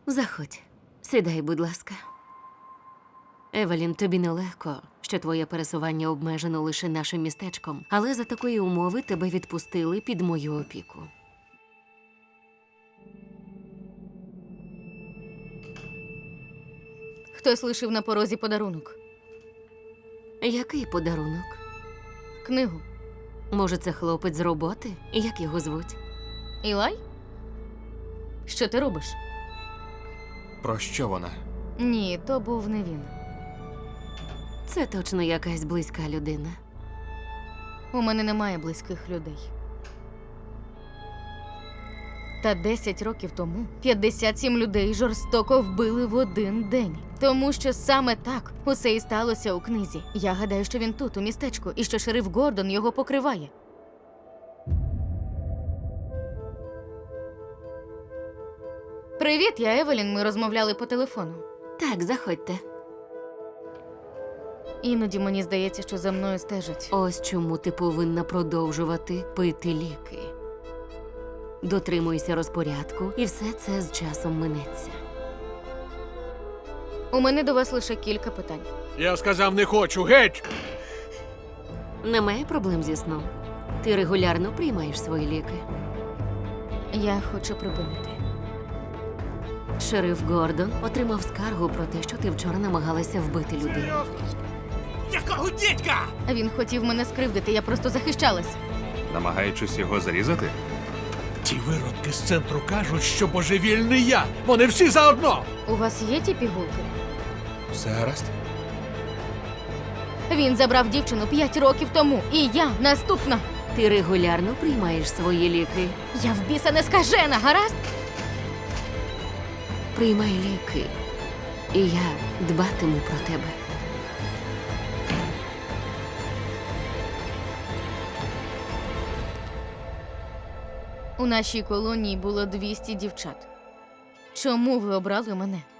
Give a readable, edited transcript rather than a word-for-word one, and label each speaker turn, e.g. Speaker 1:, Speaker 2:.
Speaker 1: Заходь. Сідай, будь ласка. Евелін, тобі нелегко, що твоє пересування обмежено лише нашим містечком, але за такої умови тебе відпустили під мою опіку.
Speaker 2: Хтось лишив на порозі подарунок.
Speaker 1: Який подарунок?
Speaker 2: Книгу.
Speaker 1: Може, це хлопець з роботи? Як його звуть?
Speaker 2: Ілай? Що ти робиш?
Speaker 3: Про що вона?
Speaker 2: Ні, то був не він.
Speaker 1: Це точно якась близька людина.
Speaker 2: У мене немає близьких людей. Та 10 років тому 57 людей жорстоко вбили в один день. Тому що саме так усе і сталося у книзі. Я гадаю, що він тут, у містечку, і що шериф Гордон його покриває. Привіт, я Евелін, ми розмовляли по телефону.
Speaker 1: Так, заходьте.
Speaker 2: Іноді мені здається, що за мною стежать.
Speaker 1: Ось чому ти повинна продовжувати пити ліки. Дотримуйся розпорядку, і все це з часом минеться.
Speaker 2: У мене до вас лише кілька питань.
Speaker 4: Я сказав, не хочу, геть!
Speaker 1: Немає проблем зі сном. Ти регулярно приймаєш свої ліки.
Speaker 2: Я хочу припинити.
Speaker 1: Шериф Гордон отримав скаргу про те, що ти вчора намагалася вбити людину.
Speaker 4: Якого дідька?
Speaker 2: Він хотів мене скривдити, я просто захищалась.
Speaker 3: Намагаючись його зарізати?
Speaker 4: Ті виродки з центру кажуть, що божевільний я. Вони всі заодно.
Speaker 2: У вас є ті пігулки?
Speaker 3: Все гаразд?
Speaker 2: Він забрав дівчину 5 років тому, і я наступна.
Speaker 1: Ти регулярно приймаєш свої ліки.
Speaker 2: Я в біса не скажена, гаразд?
Speaker 1: Приймай ліки, і я дбатиму про тебе.
Speaker 2: У нашій колонії було 200 дівчат. Чому ви обрали мене?